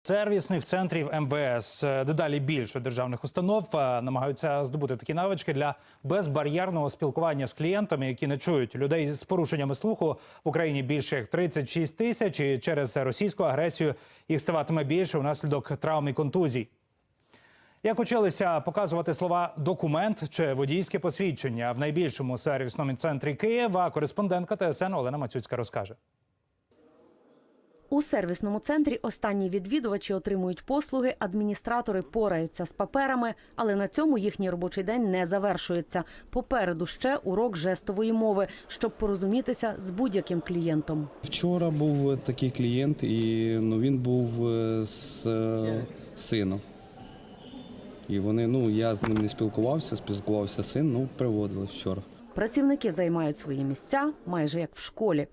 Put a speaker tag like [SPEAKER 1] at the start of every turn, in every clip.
[SPEAKER 1] Сервісних центрів МВС дедалі більше державних установ намагаються здобути такі навички для безбар'єрного спілкування з клієнтами, які не чують. Людей з порушеннями слуху в Україні більше як 36 тисяч, і через російську агресію їх ставатиме більше внаслідок травм і контузій. Як училися показувати слова «документ» чи «водійське посвідчення» в найбільшому сервісному центрі Києва, кореспондентка ТСН Олена Мацюцька розкаже.
[SPEAKER 2] У сервісному центрі останні відвідувачі отримують послуги, адміністратори пораються з паперами, але на цьому їхній робочий день не завершується. Попереду ще урок жестової мови, щоб порозумітися з будь-яким клієнтом.
[SPEAKER 3] Вчора був такий клієнт, і він був з сином. І вони, я з ним не спілкувався син, приводили вчора.
[SPEAKER 2] Працівники займають свої місця майже як в школі.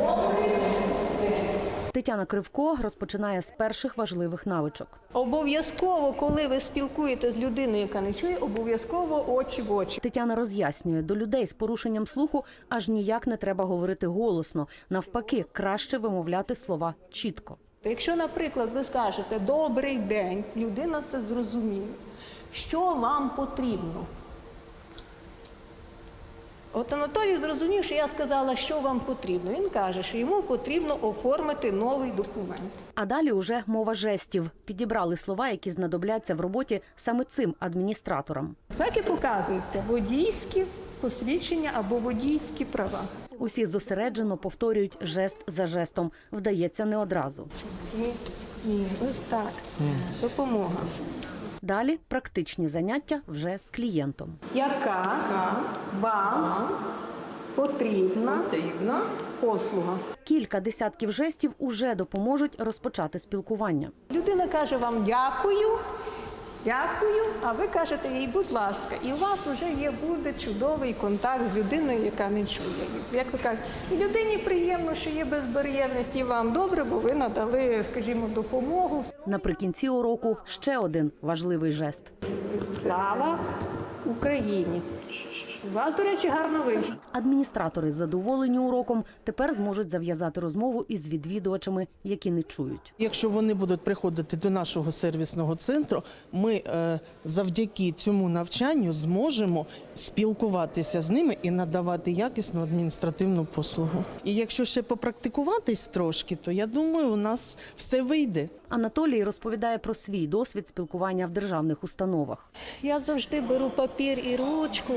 [SPEAKER 2] Тетяна Кривко розпочинає з перших важливих навичок.
[SPEAKER 4] Обов'язково, коли ви спілкуєтеся з людиною, яка не чує, обов'язково очі в очі.
[SPEAKER 2] Тетяна роз'яснює, до людей з порушенням слуху аж ніяк не треба говорити голосно. Навпаки, краще вимовляти слова чітко.
[SPEAKER 4] Якщо, наприклад, ви скажете «добрий день», людина це зрозуміє. Що вам потрібно? От Анатолій зрозумів, що я сказала, що вам потрібно. Він каже, що йому потрібно оформити новий документ.
[SPEAKER 2] А далі уже мова жестів. Підібрали слова, які знадобляться в роботі саме цим адміністраторам.
[SPEAKER 4] Так і показується водійські посвідчення або водійські права.
[SPEAKER 2] Усі зосереджено повторюють жест за жестом. Вдається не одразу.
[SPEAKER 4] Ні, ось так. Допомога.
[SPEAKER 2] Далі практичні заняття вже з клієнтом.
[SPEAKER 4] Яка вам потрібна послуга?
[SPEAKER 2] Кілька десятків жестів уже допоможуть розпочати спілкування.
[SPEAKER 4] Людина каже вам «дякую», а ви кажете їй «будь ласка». І у вас вже буде чудовий контакт з людиною, яка не чує. Як ви кажете, і людині приємно, що є безбар'єрність, і вам добре, бо ви надали, скажімо, допомогу.
[SPEAKER 2] Наприкінці уроку ще один важливий жест.
[SPEAKER 4] Слава Україні! У вас, до речі, гарно вийшло.
[SPEAKER 2] Адміністратори, задоволені уроком, тепер зможуть зав'язати розмову із відвідувачами, які не чують.
[SPEAKER 5] Якщо вони будуть приходити до нашого сервісного центру, ми завдяки цьому навчанню зможемо спілкуватися з ними і надавати якісну адміністративну послугу. І якщо ще попрактикуватись трошки, то я думаю, у нас все вийде.
[SPEAKER 2] Анатолій розповідає про свій досвід спілкування в державних установах.
[SPEAKER 4] Я завжди беру папір і ручку,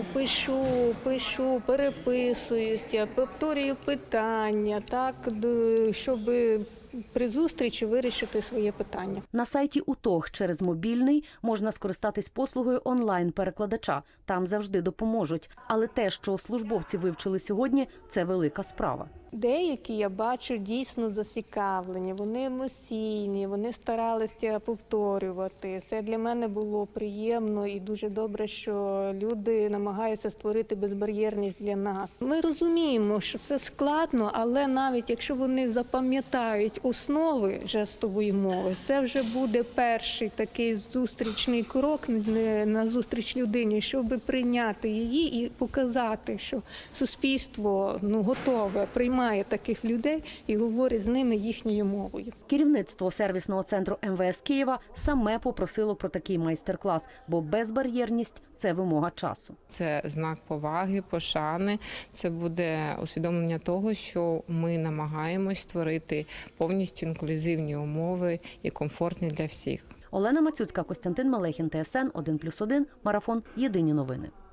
[SPEAKER 4] пишу, переписуюся, повторюю питання, так, щоб при зустрічі вирішити своє питання.
[SPEAKER 2] На сайті УТОГ через мобільний можна скористатись послугою онлайн-перекладача. Там завжди допоможуть. Але те, що службовці вивчили сьогодні, це велика справа.
[SPEAKER 4] Деякі, я бачу, дійсно зацікавлені, вони емоційні, вони старалися повторювати. Це для мене було приємно і дуже добре, що люди намагаються створити безбар'єрність для нас. Ми розуміємо, що це складно, але навіть якщо вони запам'ятають основи жестової мови, це вже буде перший такий зустрічний крок на зустріч людині, щоб прийняти її і показати, що суспільство готове приймати таких людей і говорить з ними їхньою мовою.
[SPEAKER 2] Керівництво сервісного центру МВС Києва саме попросило про такий майстер-клас, бо безбар'єрність – це вимога часу.
[SPEAKER 6] Це знак поваги, пошани, це буде усвідомлення того, що ми намагаємось створити повністю інклюзивні умови і комфортні для всіх.
[SPEAKER 2] Олена Мацюцька, Костянтин Малехін, ТСН 1+1, Марафон. Єдині новини.